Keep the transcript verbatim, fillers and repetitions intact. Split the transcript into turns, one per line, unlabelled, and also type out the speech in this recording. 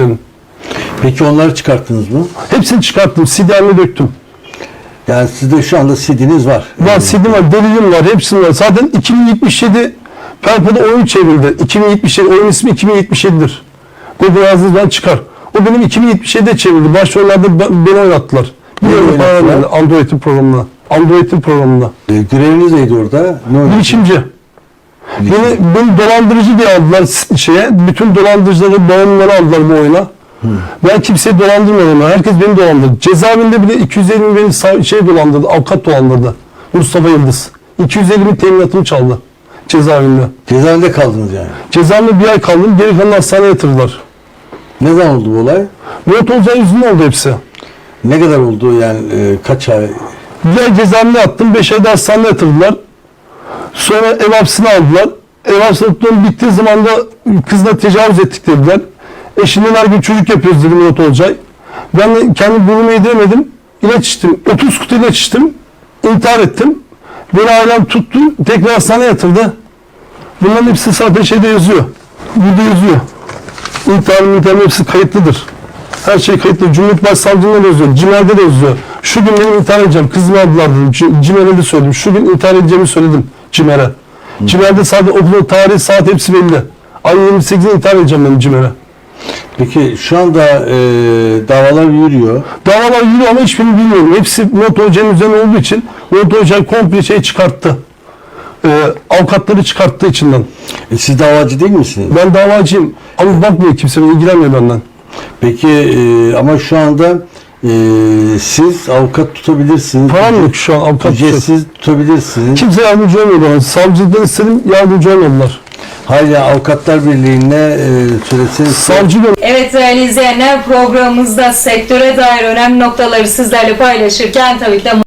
işlerin.
Peki onları çıkarttınız mı?
Hepsini çıkarttım. C D haline döktüm.
Yani sizde şu anda C D'niz var.
Var, C D var, delilim var, hepsinin var. Zaten iki bin yetmiş yedi Perpo'da oyun çevrildi. iki bin yetmiş yedi, oyun ismi iki bin yetmiş yedi'dir. Google yazdığınızdan çıkar. O benim iki bin yetmiş yedi'de çevrildi. Başrollerde beni oynattılar. Biliyorum paralelde Android'in programına. Android'in programında.
E, göreviniz neydi orada? Ne
Bilişimci. Beni, beni dolandırıcı diye aldılar şeye. Bütün dolandırıcıları, bağımlıları aldılar bu oyuna. Hmm. Ben kimseyi dolandırmadım. Herkes beni dolandırdı. Cezaevinde bile iki yüz elli bin beni şey dolandırdı, avukat dolandırdı. Mustafa Yıldız. iki yüz elli bin teminatımı çaldı cezaevinde.
Cezaevinde kaldınız yani?
Cezaevinde bir ay kaldım. Geri kalan hastaneye yatırdılar.
Ne zaman oldu bu olay?
Murat Olcay yüzünden oldu hepsi.
Ne kadar oldu yani e, kaç ay?
Bir ay cezaevinde yattım. Beş ayda hastaneye yatırdılar. Sonra ev hapsine aldılar. Ev hapsine bittiği zaman da kızla tecavüz ettik dediler. Eşinden her gün çocuk yapıyoruz dedi Murat Olcay. Ben de kendi burnuma yediremedim. İlaç içtim. otuz kutu ilaç içtim. İntihar ettim. Beni ailem tuttu. Tekrar hastaneye yatırdı. Bunların hepsi zaten şeyde yazıyor. Burada yazıyor. İntiharın intiharın hepsi kayıtlıdır. Her şey kayıtlı. Cumhuriyet Başsavcılığında da yazıyor. CİMER'de de yazıyor. Şu gün benim intihar edeceğim. Kızımı aldılar dedim. CİMER'e de söyledim. Şu gün intihar edeceğimi söyledim CİMER'e. CİMER'de sadece okul tarihi, saat hepsi belli. Ay yirmi sekiz'de intihar edeceğim ben CİMER'e.
Peki şu anda e, davalar yürüyor.
Davalar yürüyor ama hiçbirini bilmiyorum. Hepsi Murat Hoca'nın üzerine olduğu için Murat Hoca komple şey çıkarttı. Ee, avukatları çıkarttığı içinden.
E, siz davacı değil misiniz?
Ben davacıyım. Ama bakmıyor kimse, ilgilenmiyor benden.
Peki e, ama şu anda e, siz avukat tutabilirsiniz.
Param yok şu an avukat tutacak.
Siz tutabilirsiniz.
Kimse yardımcı olmuyor bana. Savcılıktan istedim, yardımcı olmadılar.
Hala Avukatlar Birliği'ne e, söyleseniz.
Savcı
Evet değerli izleyenler, programımızda sektöre dair önemli noktaları sizlerle paylaşırken tabii ki de